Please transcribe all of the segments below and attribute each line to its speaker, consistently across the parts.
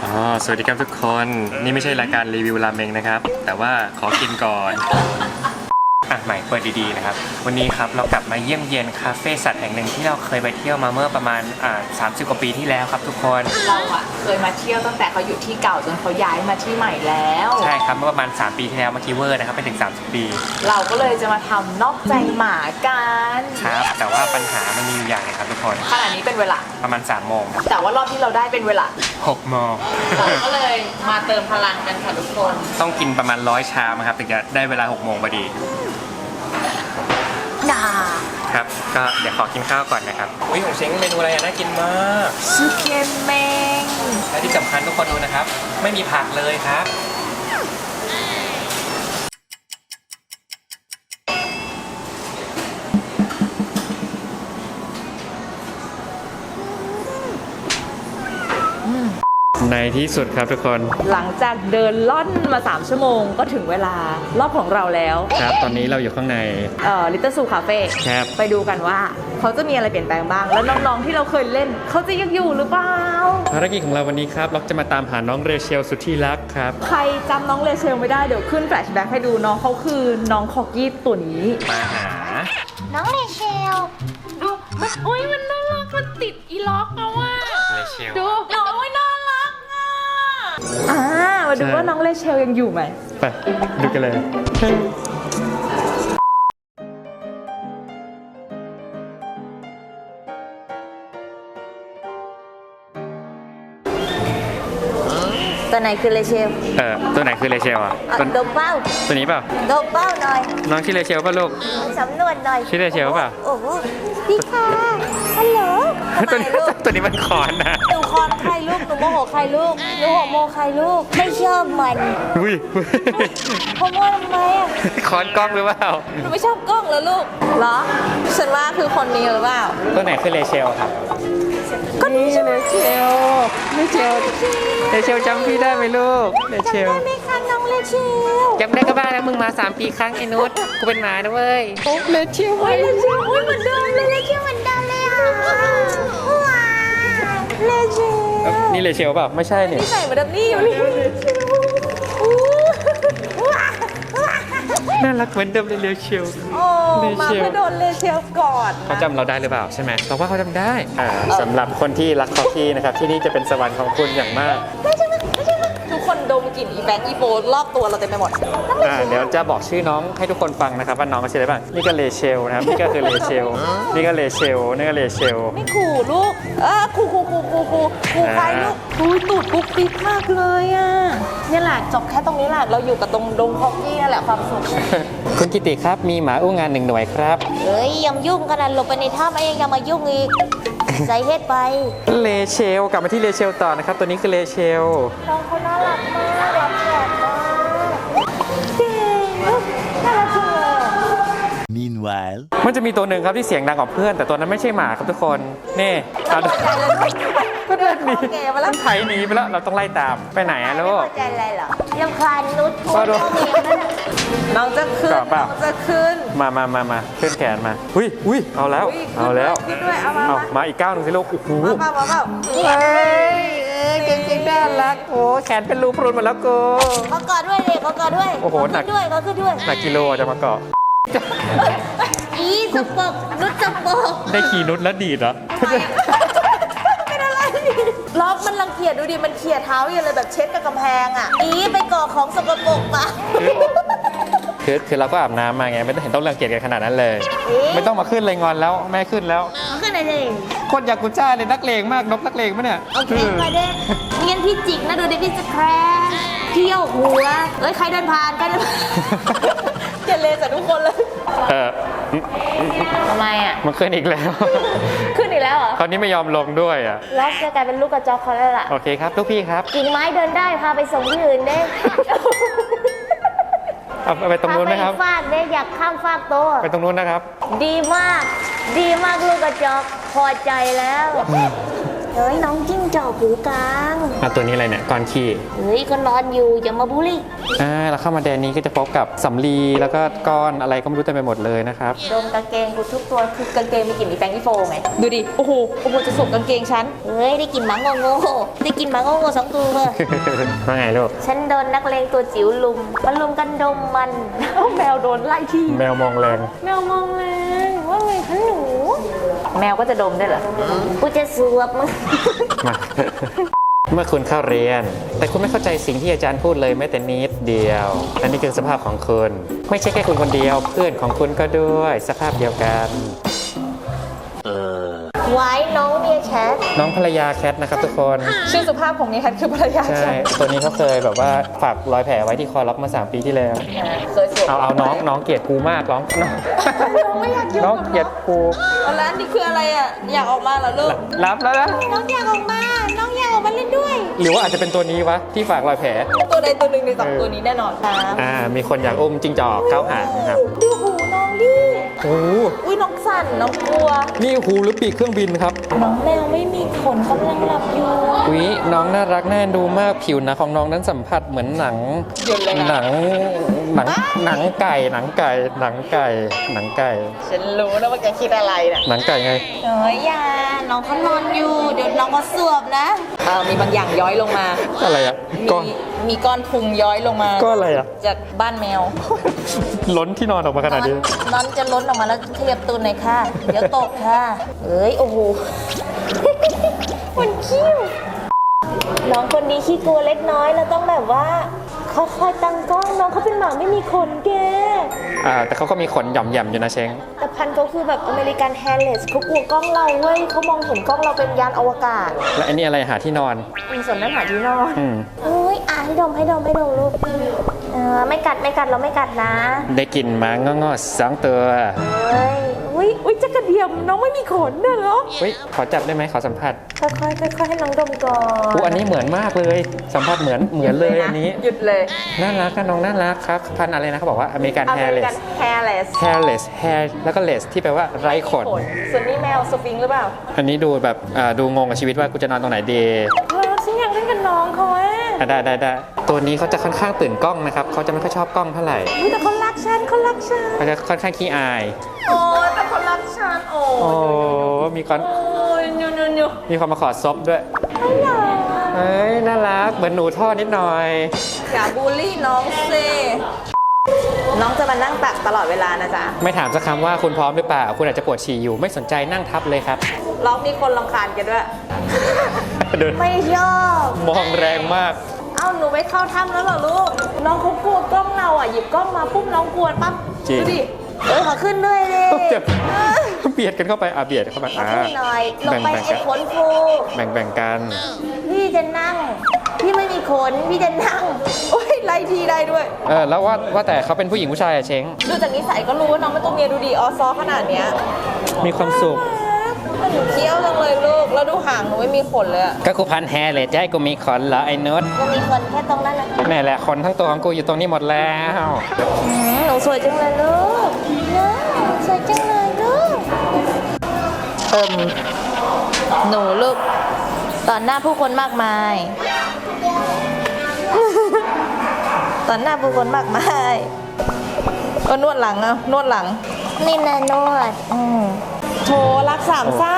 Speaker 1: สวัสดีครับทุกคนนี่ไม่ใช่รายการรีวิวราเมงนะครับแต่ว่าขอกินก่อนใหม่เปิดดีๆนะครับวันนี้ครับเรากลับมาเยี่ยมเยียนคาเฟ่สัตว์แห่งหนึ่งที่เราเคยไปเที่ยวมาเมื่อประมาณ30 กว่าปีที่แล้วครับทุกคน
Speaker 2: เราเคยมาเที่ยวตั้งแต่เขาอยู่ที่เก่าจนเขาย้ายมาที่ใหม่แล้ว
Speaker 1: ใช่ครับเมื่อประมาณ3 ปีที่แล้วเมื่อกี้เวอร์นะครับไปถึง30 ปี
Speaker 2: เราก็เลยจะมาทำนอกใจหมากัน
Speaker 1: ครับแต่ว่าปัญหามันมีอยู่อย่างนึงครับทุกคน
Speaker 2: ขณะนี้เป็นเวลา
Speaker 1: ประมาณ3 โมง
Speaker 2: แต่ว่ารอบที่เราได้เป็นเวลา
Speaker 1: 6 โมง
Speaker 2: เราก็เลยมาเติมพลังกันค่ะทุกคน
Speaker 1: ต้องกินประมาณ100 ชามครับถึงจะได้เวลา6 โมงพอดีครับก็เดี๋ยวขอกินข้าวก่อนนะครับของเช้งเมนูอะไรน่ากินมาก
Speaker 2: ซูเกมเมง
Speaker 1: และที่สำคัญทุกคนดูนะครับไม่มีผักเลยครับในที่สุดครับทุกคน
Speaker 2: หลังจากเดินล่อนมา3 ชั่วโมงก็ถึงเวลารอบของเราแล้ว
Speaker 1: ครับตอนนี้เราอยู่ข้างใน
Speaker 2: ลิตเติ้ลซูคาเฟ่ไปดูกันว่าเขาจะมีอะไรเปลี่ยนแปลงบ้างแล้วน้องๆที่เราเคยเล่นเขาจะยังอยู่หรือเปล่า
Speaker 1: ภารกิจของเราวันนี้ครับเราจะมาตามหาน้องเรเชลสุดที่รักครับ
Speaker 2: ใครจำน้องเรเชลไม่ได้เดี๋ยวขึ้นแฟลชแบ็กให้ดูน้องเขาคือน้องคอกกี้ตัวนี้
Speaker 1: มาหา
Speaker 3: น้องเรเชล
Speaker 2: ดูมันอุ้ยมันน่ารักมันติดอีล็อกเอาว่า
Speaker 1: เรเชล
Speaker 2: ดูน้องน่ารักมาดูว่าน้องเรเชลยังอยู่ไหม
Speaker 1: ไปดูกันเลย
Speaker 3: ตัวไหนคือเรเชล
Speaker 1: ตัวไหนคือเรเชล
Speaker 3: ดมเป้า
Speaker 1: ตัวนี้เปล่า
Speaker 3: ดมเป้าหน่อย
Speaker 1: น้องชื่อเรเชลป่ะลูก
Speaker 3: สำนวนหน่อย
Speaker 1: ชื่อเรเชลป่ะ
Speaker 3: โอ้โหพี่ค่ะฮัลโหล
Speaker 1: ตัวนี้มันคอนนะ
Speaker 3: หนูคอนใครลูกหนูโมโหใครลูกหนูโหโมใครลูกไม่ชอบมัน
Speaker 1: อุ้ย
Speaker 3: โมทำไม
Speaker 1: คอนกล้องหรือเปล่า
Speaker 3: หนูไม่ชอบกล้องเหรอลูกเหรอฉันว่าคือคนนี้หรือเปล่า
Speaker 1: ตัวไหนคือเรเชลครับ
Speaker 3: ก็นี่
Speaker 1: เรเชลจำพี่ได้ไหมลูกเรเชล
Speaker 3: จำได้ไหมคะน้องเรเชล
Speaker 1: จำได้ก็บ้าแล้วมึงมา3 ปีครั้งไอ้นุชกูเป็นหมาด้วยเรเชล
Speaker 3: เรเชลเหมือนเดิมเลยเรเชลเหมือนเดิมเลยค่ะว้าเรเชล
Speaker 1: นี่เรเชลป่ะไม่ใช่เนี่ย
Speaker 2: นี่ใส่เหมือนเดิมนี่อยู่นี่
Speaker 1: น่ารักเหมือนเดิมเลยเรเชล
Speaker 2: มาเพื่อโดนเรเชลก่อน
Speaker 1: เขาจำเราได้หรือเปล่าใช่ไหมเราว่าเขาจำได้สำหรับคนที่รักคอกี้นะครับที่นี่จะเป็นสวรรค์ของคุณอย่างมาก
Speaker 2: ทุกคนดมกลิ่นอีแบงค์อีโฟรอบตัวเราเต็มไปหมด
Speaker 1: เดี๋ยวจะบอกชื่อน้องให้ทุกคนฟังนะครับว่าน้องเขาชื่ออะไรบ้างนี่ก็เรเชลนะครับนี่ก็คือเรเชลนี่ก็เรเชลนี่ก็เรเชล
Speaker 2: ไม่ขู่ลูกขู่ใครลูกตูดปุ๊บปิ๊บมากเลยอ่ะนี่แหละจบแค่ตรงนี้แหละเราอยู่กับตรงดงคอกกี้นั่นแหละความสุข
Speaker 1: คุณกิติครับมีหมาอู้งาน1 หน่วยครับ
Speaker 3: เฮ้ยยังยุ่งขนาดหลบไปในถ้ำเองยังมายุ่งอีกใส่เฮ็ดไป
Speaker 1: เรเชลกลับมาที่เรเชลต่อนะครับตัวนี้คือเรเชล
Speaker 3: น้องเขาน่ารักมากรับแขกมากจริงน่ารักจังเลย
Speaker 1: Meanwhile มันจะมีตัวหนึ่งครับที่เสียงดังกว่าเพื่อนแต่ตัวนั้นไม่ใช่หมาครับทุกคนนี่ก็เดินหนีมันไถหนีไปแล้วเราต้องไล่ตามไปไหนอะลูก
Speaker 3: ไม่เข้าใจอะไรหรอยังคลานนุช
Speaker 2: น้องจะขึ้น
Speaker 1: มาขึ้นแขนมาอุ้ยเอาแล้วมาอีกก้าวนึงสิลูกโอ้โหเฮ้ยเก่งๆน่ารักโอ้แขนเป็นรูพรุนหมดแล้วกู
Speaker 3: เขากอดด้วยเด็กเขากอดด้วย
Speaker 1: โอ้โหหนัก
Speaker 3: ด้วยเขาขึ้นด้วย
Speaker 1: หนักกิโลจะมาเกาะ
Speaker 3: อีสปกนุชสปก
Speaker 1: ได้ขี่นุชแล้วดีดเหรอ
Speaker 2: เป็นอะไรล็อกมันรังเกียจดูดิมันเขี่ยเท้าอย่างเลยแบบเช็ดกับกำแพงอ่ะ
Speaker 3: อีไปก่อของสกปรกมา
Speaker 1: คือเราก็อาบน้ำมาไงไม่ต้องเห็นต้องรังเกียจกันขนาดนั้นเลยไม่ต้องมาขึ้นเลยงอนแล้วแม่ขึ้นแล้ว
Speaker 3: ขึ้นอะไรเอง
Speaker 1: คนอยากกุจ้าเลยนักเลงมากนกนักเลงปะเนี่ย
Speaker 3: โอเคไปเด้เงี้ยพี่จิกนะดูดิพี่จะแคร์พี่โยกหัวใครเดินผ่าน
Speaker 2: เกลียดทุกคนเลย
Speaker 3: ทำไมอ่ะ
Speaker 1: มันขึ้นอีกแล้ว
Speaker 2: ขึ้นอีกแล้วเหรอ
Speaker 1: คราวนี้ไม่ยอมลงด้วยอ่ะ
Speaker 3: แล้วจะกลายเป็นลูกกระจอกเขาแล้วล่ะ
Speaker 1: โอเคครับลูกพี่ครับ
Speaker 3: กิ่งไม้เดินได้พาไปส่งที่อื่นเด้
Speaker 1: เอาไปตรงนู้นไหมครับ
Speaker 3: ฟากเด้อยากข้ามฟากโต
Speaker 1: ไปตรงนู้นนะครับ
Speaker 3: ดีมากลูกกระจอกพอใจแล้วเฮ้ยน้องจิ้งจอกหูกลาง
Speaker 1: ตัวนี้อะไรเนี่ยก้อนขี้
Speaker 3: เฮ้ยก็นอนอยู่อย่ามาบูลลี่
Speaker 1: เราเข้ามาแดนนี้ก็จะพบกับสำลีแล้วก็ก้อนอะไรก็ไม่รู้เต็มไปหมดเลยนะครับ
Speaker 2: ดมกางเกงกูทุกตัวคือกางเกงมีกลิ่นมีแป้งที่โฟไงดูดิโอ้โหจะสวมกางเกงฉัน
Speaker 3: เฮ้ยได้กินหมาโง่ได้กินหมาโง่สองตัว
Speaker 1: ว่าไงลูก
Speaker 3: ฉันโดนนักเลงตัวจิ๋วลุมมันลุมกันดมมัน
Speaker 2: แมวโดนไล่ที่
Speaker 1: แมวมองแรง
Speaker 2: แมวมองแรงว่าไงคะหนู แมวก็จะดมได้เหรอ
Speaker 3: กูจะสวบมึง
Speaker 1: มา เมื่อคุณเข้าเรียน แต่คุณไม่เข้าใจสิ่งที่อาจารย์พูดเลยแม้แต่นิดเดียวและนี่คือสภาพของคุณ ไม่ใช่แค่คุณคนเดียว เพื่อนของคุณก็ด้วยสภาพเดียวกัน
Speaker 3: ไว้น้องเมียแคท
Speaker 1: น้องภรรยาแคทนะครับทุกคน
Speaker 2: ชื่อสุภาพของนี้แคทคือภรรยา
Speaker 1: ใช่ ตัวนี้เขาเคยแบบว่าฝากรอยแผลไว้ที่คอล็อกมา 3 ปีที่แล้ว
Speaker 2: เคยสวม
Speaker 1: เอาน้องเกลียดกูมากน้อง
Speaker 2: น้องไม่อยากยุ่ง
Speaker 1: น้อง
Speaker 2: กับ
Speaker 1: เกลียดกู
Speaker 2: แล้วอันนี้คืออะไรอ่ะอยากออกมาเหรอลูก
Speaker 1: รับแล้วนะ
Speaker 3: น้องอยากออกมาน้องอยากออกมาเล่นด้วย
Speaker 1: หรือว่าอาจจะเป็นตัวนี้วะที่ฝากรอยแผล
Speaker 2: ตัวใดตัวหนึ่งในสองตัวนี้แน่นอนครับ
Speaker 1: มีคนอยากอุ้มจิ้งจอกเก้าหางนะครับ
Speaker 2: ดูหูน้องดิ
Speaker 1: โอ้โห
Speaker 2: อุ้ยน้องสั่นน้องกลัว
Speaker 1: นี่หูหรือปีกเครื่องบินครับ
Speaker 2: น้องแมวไม่มีขนกำลังหลับอยู่
Speaker 1: อุ๊ยน้องน่ารักน่าเอ็นดูมากผิวหนะของน้องนั้นสัมผัสเหมือนหนัง
Speaker 2: หยุดเลยนะ
Speaker 1: หนังไก่หนังไก่
Speaker 2: ฉันรู้นะว่าแกคิดอะไรน่ะ
Speaker 1: หนังไก่ไง
Speaker 2: เฮ้ยอย่าน้องเขานอนอยู่ เดี๋ยวน้องก็สวบนะมีบางอย่างย้อยลงมา
Speaker 1: อะไรอ่ะก้อน
Speaker 2: มีก้อนพุงย้อยลงมา
Speaker 1: ก้อนอะไรอ่ะ
Speaker 2: จากบ้านแมว
Speaker 1: ล้นที่นอนออกมาขนาดนี้
Speaker 2: นอนจะล้นออกมาแล้วขยับตูนหน่อยค่ะ เดี๋ยวตกค่ะเอ้ยโอ้โห
Speaker 3: มันคิ้วน้องคนนี้ขี้กลัวเล็กน้อยเราต้องแบบว่าค่อยๆตั้งกล้องน้องเขาเป็นหมาไม่มีขนแก
Speaker 1: แต่เขาก็มีขนหย่อมๆอยู่นะเช้ง
Speaker 3: แต่พันธุ์เขาคือแบบอเมริกันแฮร์เลสเขากลัวกล้องเราเว้ยเขามองเห็นกล้องเราเป็นยานอวกาศ
Speaker 1: และอันนี้อะไรหาที่นอน
Speaker 3: มีส่วนนั้นหาที่นอน
Speaker 1: อืม
Speaker 3: อุ้ยให้ดมลูกไม่กัดเราไม่กัดนะ
Speaker 1: ได้กลิ่นหมางอๆ2 ตัว
Speaker 3: เฮ้ย
Speaker 2: อุ้ยจักระเดียมน้องไม่มีขนน่ะเหรอ
Speaker 1: เฮ้ยขอจับได้ไหมขอสัมผัส
Speaker 3: ค่อยๆให้น้องดมก่อน
Speaker 1: อันนี้เหมือนมากเลย สัมผัสเหมือนเลยอันนี้
Speaker 2: หยุดเลย
Speaker 1: น่ารักนะน้องน่ารักครับพันธุ์อะไรนะเขาบอกว่าอเมริกันแฮร์เลส
Speaker 2: แฮร์เลส
Speaker 1: hairless hair แล้วก็ less ที่แปลว่าไร้ขน
Speaker 2: ส่วนนี้แมวสฟิงค์หรือเปล่า
Speaker 1: อันนี้ดูแบบดูงงกับชีวิตว่ากูจะนอนตรงไหนดี
Speaker 2: ฉันอยากเล่นกับน้องเขาอะ
Speaker 1: ได้ตัวนี้เขาจะค่อนข้างตื่นกล้องนะครับเขาจะไม่ค่อยชอบกล้องเท่าไหร่
Speaker 2: อุ๊ยแต่เขารักฉัน
Speaker 1: เขาจะค่อนข้างขี้อาย
Speaker 2: โอ้ยแต่เขารักฉัน โอ้
Speaker 1: โอ้มีคน
Speaker 2: ยยู
Speaker 1: มีคนมาขอซบด้วยเอ้ยน่ารักเหมือนหนูท่อนิดหน่อย
Speaker 2: อย่าบูลลี่น้องสิน้องจะมานั่งตักตลอดเวลานะจ๊ะ
Speaker 1: ไม่ถามสักคำว่าคุณพร้อมหรือเปล่า คุณอาจจะปวดฉี่อยู่ไม่สนใจนั่งทับเลยครับ
Speaker 2: ร้องมีคนรำคาญกันด้วย
Speaker 1: เดิน
Speaker 3: ไม่ชอบ
Speaker 1: มองแรงมาก
Speaker 2: เอ้าหนูไม่เข้าถ้ำแล้วเหรอลูก น้องเขากลัวกล้องเราอ่ะหยิบกล้องมาปุ๊บน้องกลัวปั๊บ
Speaker 1: จริง
Speaker 2: ดูดิ
Speaker 3: ขอขึ้นด้วยเลย
Speaker 1: เจ็บเบียดกันเข้าไปเบียดเข้าไป
Speaker 3: ขึ้นหน่อยลงไปไอ้ขนฟู
Speaker 1: แบ่งกัน
Speaker 3: พี่จะนั่ง พี่ไม่มีขนพี่จะนั่ง
Speaker 2: โอ้ยไล่ทีได้ด้วย
Speaker 1: แล้วว่าแต่เขาเป็นผู้หญิงผู้ชายอะเช้ง
Speaker 2: ดูจากนิสัยก็รู้ว่าน้องเป็นตัวเมียดูดีออซอขนาดเนี้ย
Speaker 1: มีความสุข
Speaker 2: หนูเคี้ยวจังเลยลูก แล้วดูหางหนูไม่มีขนเลยอะ
Speaker 1: ก็กูพันแฮร์เลยจะให้กูมีขนเหรอไอ้นุช
Speaker 3: ก็มีขนแค่ตรงนั้นนะ
Speaker 1: นี่แหละขนทั้งตัวของกูอยู่ตรงนี้หมดแล้ว
Speaker 3: หนูสวยจังเลยลูกนะสวยจังเลยลูก
Speaker 2: หนูลูกต่อหน้าผู้คนมากมาย ต่อหน้าผู้คนมากมายก็นวดหลังอะนวดหลัง
Speaker 3: นี่นะนวด
Speaker 2: โถรักสามเศร้า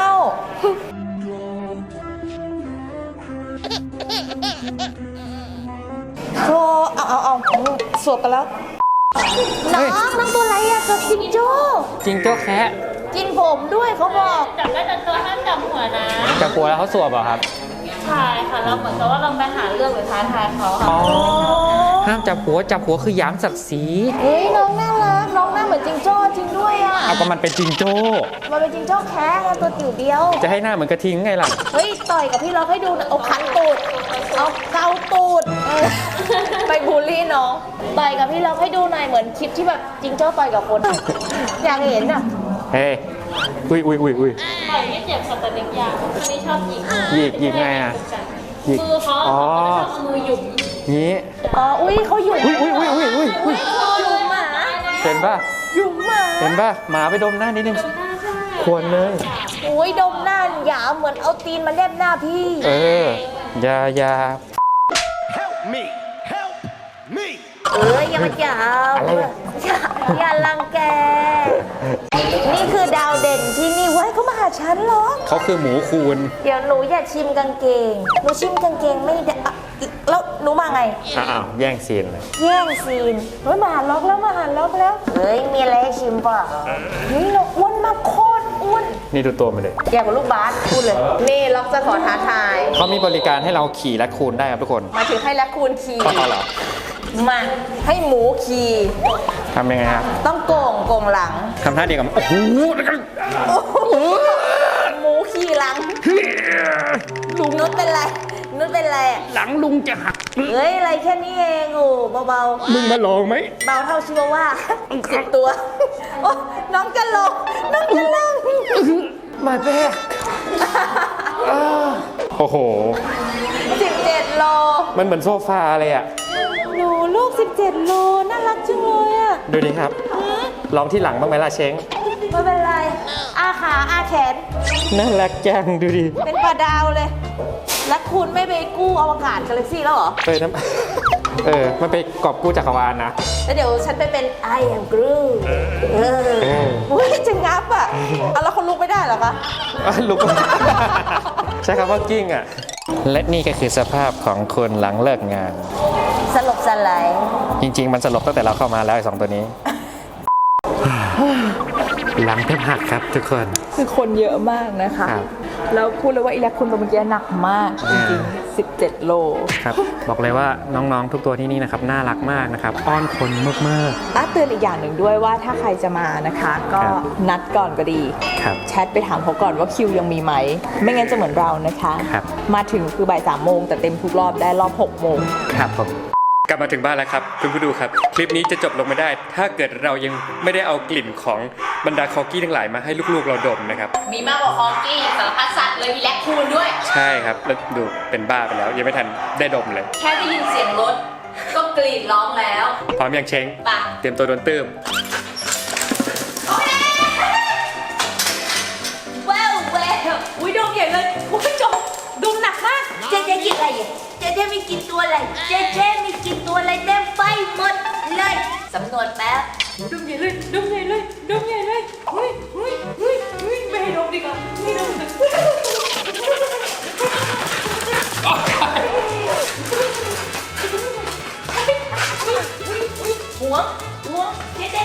Speaker 2: โถเอาสวบกันแล้ว
Speaker 3: น้องตัวอะไรอะจดจิงโจ้
Speaker 1: จริงเจ้าแคะ
Speaker 2: กินผมด้วยเขาบอก
Speaker 4: จับได้แต่ตัวห้ามจับหัวนะ
Speaker 1: จะกลัวแล้วเขาสวบเหรอครับ
Speaker 4: ใช่ค่ะเราเหมือนกับว่าเราไปหาเรื่องหรือท้าทายเขาค่ะ
Speaker 1: ห้ามจับหัวคือหยามศักดิ์ศรี
Speaker 2: เฮ้ยน้องน่ารักน้องหน้าเหมือนจิงโจ้จริงด้วยอ่ะ
Speaker 1: เอาก็มันเป็นจิงโจ้
Speaker 2: มันเป็นจิงโจ้แคะไงตัวจิ๋วเดียว
Speaker 1: จะให้หน้าเหมือนกระทิงไงล่ะ
Speaker 2: เฮ้ยต่อยกับพี่ล็อกให้ดูนะเอาคันตูด เอาเกาตูดไปบูลลี่น้อง ต่อยกับพี่ล็อกให้ดูหน่อยเหมือนคลิปที่แบบจิงโจ้ต่อยกับคน อยากเห็นอ่ะ
Speaker 1: เฮ้ยอุ้ย
Speaker 4: ต่อยไม่เจ็บค่ะแต่เล็กยางคนนี้ชอบหยิก
Speaker 1: หยิกไงอ่ะหยิก
Speaker 4: มือเขา
Speaker 1: อ๋อ
Speaker 4: ชอบเอามือหยุม
Speaker 1: งี้
Speaker 2: อ๋อ อุ้ยเขาหยุ่ม
Speaker 1: อุ้ย
Speaker 2: หยุ่มหมา
Speaker 1: เห็นป่ะ
Speaker 2: หยุ่มหมา
Speaker 1: เห็นป่ะหมาไปดมหน้านิดนึง
Speaker 4: หน้าใช่
Speaker 1: ควรเลย
Speaker 2: โอ้ยดมหน้าหยาเหมือนเอาตีนมาเล็บหน้าพี่
Speaker 1: อยา
Speaker 5: Help me! Help me!
Speaker 2: อย่ามาจับอย่ารังแก นี่คือดาวเด่นที่นี่เว้ยเขามาหาฉันเหรอ
Speaker 1: เขาคือหมูคูณ
Speaker 2: เดี๋ยวหนูอย่าชิมกางเกง หนูชิมกางเกงไม่ได้อ่ะแล้วหนูมาไง
Speaker 1: อ้าวแย่งซีนเลย
Speaker 2: แย่งซีนเฮ้ยมาหาล็อกแล้วเฮ้ยมีอะไรให้ชิมเปล่าเฮ้ยเราอ้วนมากโคตรอ้วน
Speaker 1: นี่ดูตัวมันเลย
Speaker 2: ใหญ่กว่าลูกบาสพูดเลย นี่ล็อกจะขอท้าทาย
Speaker 1: เขามีบริการให้เราขี่แรคคูนได้ครับทุกคน
Speaker 2: มาถึงให้แลคคูนขี่
Speaker 1: เขาเหรอ
Speaker 2: มาให้หมูขี่
Speaker 1: ทำยังไงครับ
Speaker 2: ต้องโก่งหลัง
Speaker 1: ทำท่าเดียวกับโอ้โห
Speaker 2: หมูขี่หลังลุงนุชเป็นไรอะ
Speaker 1: หลังลุงจะหัก
Speaker 2: เฮ้ยอะไรแค่นี้เองโอ้เบา
Speaker 1: มึงมาลองไหม
Speaker 2: ๆเบาเท่าชิวาว่า10 ตัวโอ้น้องจะลง
Speaker 1: มาแบกโอ้โห
Speaker 2: 17 โล
Speaker 1: มันเหมือนโซฟาเลยอ่ะ
Speaker 2: หนูลูก17 โลน่ารักจังเลยอะ
Speaker 1: ดูดิครับ ลองที่หลังบ้างไหมล่ะเช้ง
Speaker 2: ไม่เป็นไรอาขาอาแขน
Speaker 1: น่ารักจังดูดิ
Speaker 2: เป็นปลาดาวเลย แล้วคุณไม่ไปกู้อวกาศกาแล็กซี่แล้วเหรอ
Speaker 1: เฮ้ยน้ำ มันไปกอบกู้จักรวาลนะ
Speaker 2: แล้วเดี๋ยวฉันไปเป็น I am Groot อุ้ยจะงับอ่ะเอาแล้วคนลุกไม่ได้เหรอคะ
Speaker 1: ลุก ใช้คำว่ากิ้งอ่ะ และนี่ก็คือสภาพของคนหลังเลิกงาน
Speaker 2: สลบสลาย
Speaker 1: จริง ๆ มันสลบตั้งแต่เราเข้ามาแล้วไอ้2 ตัวนี้ หลังแทบหักครับทุกคน
Speaker 2: คือคนเยอะมากนะคะ
Speaker 1: ครับ
Speaker 2: แล้วพูดเลยว่าอีแลคคุณตัวเมื่อกี้หนักมาก จริงๆ 17 โล
Speaker 1: ครับ บอกเลยว่าน้องๆทุกตัวที่นี่นะครับน่ารักมากนะครับ อ้อนคนมาก
Speaker 2: เตือนอีกอย่างหนึ่งด้วยว่าถ้าใครจะมานะคะ ก็
Speaker 1: ครับ
Speaker 2: นัดก่อนก็ดี
Speaker 1: ครับ
Speaker 2: แชทไปถามเขาก่อนว่าคิวยังมีไหม ไม่งั้นจะเหมือนเรานะคะ
Speaker 1: ครับ
Speaker 2: มาถึงคือบ่าย3 โมงแต่เต็มทุกรอบได้รอบ 6 โมง
Speaker 1: ๆครับผมกลับมาถึงบ้านแล้วครับคุณผู้ดูครับ คลิปนี้จะจบลงไม่ได้ ถ้าเกิดเรายังไม่ได้เอากลิ่นของบรรดาคอกี้ทั้งหลายมาให้ลูกๆเราดมนะครับ
Speaker 4: มีมากกว่าคอกี้สารพัดสัตว์เลยมีแลคคูนด้วย
Speaker 1: ใช่ครับแล้วดูเป็นบ้าไปแล้ว ยังไม่ทันได้ดมเลย
Speaker 4: แค่ได้ยินเสียงรถ ก็กรีดร้องแล้ว
Speaker 1: พร้อมยังเช้ง
Speaker 4: ป่ะ
Speaker 1: เตรียมตัวโดนตื้ม
Speaker 4: แววอุ้ยดมใหญ่เลยอุ้ยดมหนักมาก
Speaker 3: เจ๊กินอะไรอ่ะเจ๊มีกินตัวอะไรเจ๊มีกินตัวอะไรเต็มไปหมดเลยสำนวนแป๊บ
Speaker 4: ดมใหญ่เลยไม่ให้ดมดีกว่าไม่ดม
Speaker 3: หัวเจ๊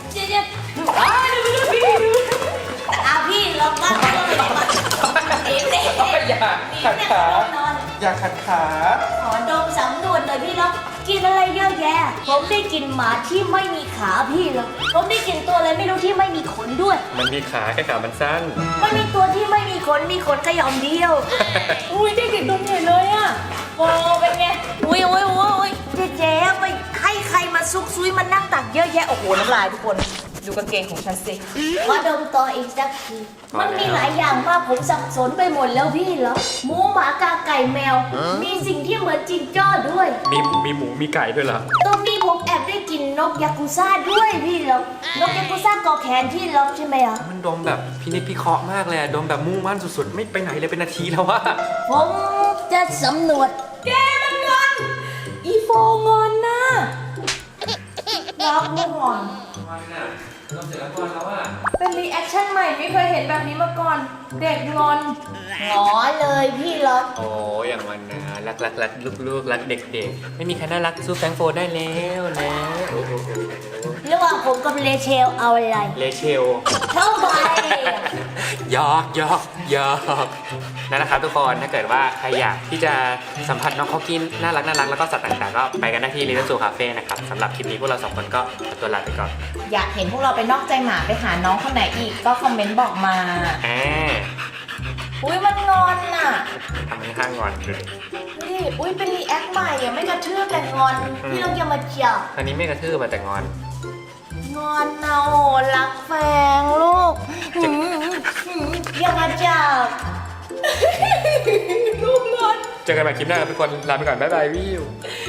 Speaker 3: เอาพี่ลองบ้างเอ๊ะ
Speaker 1: อย่าขัดขา อย่าขัดขา
Speaker 3: ขอดมสำนวนหน่อยพี่ล็อกกินอะไรเยอะแยะ ผมได้กินหมาที่ไม่มีขาพี่ล็อกผมได้กินตัวอะไรไม่รู้ที่ไม่มีขนด้วย
Speaker 1: มันมีขาแค่ขามันสั้น
Speaker 3: มันมีตัวที่ไม่มีขนมีขนแค่หย่อมเดียว
Speaker 4: อุ้ยเด็กๆดมใหญ่เลยอ่ะโอ้เป็นไง
Speaker 3: อุ้ยเจ๊ไปให้ใครมาซุกซุยมานั่งตักเยอะแยะ โอ้โห น้ำลายทุกคน
Speaker 2: ดูกางเกงของฉันสิ
Speaker 3: ว่าดมต่ออีกสักที มันมีหลายอย่างมากผมสับสนไปหมดแล้วพี่เหรอหมูหมากาไก่แมว มีสิ่งที่เหมือนจิงจ้อด้วย
Speaker 1: มีหมูมีไก่ด้วยเหรอ
Speaker 3: ตรงนี้ผมแอบได้กลินนกยากุซ่าด้วยพี่เหรอนกยากุซ่าเกาะแขนพี่เหรอใช่ไหมอ่ะ
Speaker 1: มันดมแบบพินิจพิเคราะห์มากเลยอะดมแบบมุ่งมั่นสุดๆ ไม่ไปไหนเลยเป็นนาทีแล้วว่า
Speaker 3: ผมจะสำรวจ
Speaker 2: อีโฟงอนน่ะรักไม่งอน เป็นรีแอคชั่นใหม่ไม่เคยเห็นแบบนี้มาก่อน เด็กงอน
Speaker 3: หงอเลยพี่เหรอ
Speaker 1: โอ้อย่างมันนะรักลูกรักเด็กๆ ไม่มีใครน่ารักสู้แฟรงค์โฟร์ได้แล้วนะโอ้โห
Speaker 3: ระหว่างผมกับเลเชลเอาอะไร
Speaker 1: เลเชล
Speaker 3: เท่าไหร่
Speaker 1: หยอกนั่นแหละครับทุกคนถ้าเกิดว่าใครอยากที่จะสัมผัสน้องเขากินน่ารักแล้วก็สัตว์ต่างๆ ก็ไปกันได้ที่Little Zoo Cafeนะครับสำหรับคลิปนี้พวกเรา2 คนก็ขอตัวลาไปก่อน
Speaker 2: อยากเห็นพวกเราไปนอกใจหมาไปหาน้องคนไหนอีกก็คอมเมนต์บอกมา อุ้ยมันงอนน่ะ
Speaker 1: ทำให้ข้างงอนเลย
Speaker 2: นี่อุ้ยเป็นรีแอคใหม่อะไม่กระเทือกแต่งอน
Speaker 3: พี่ลองอย่ามาจับ
Speaker 1: คราวนี้ไม่กระทืบมาแต่งอน
Speaker 2: งอนนะโอ้รักแฟงลูก
Speaker 3: อย่ามาจับ
Speaker 2: ลูกงอน
Speaker 1: เจอกันใหม่คลิปหน้าครับทุกคนลาไปก่อนบ๊ายบายวิว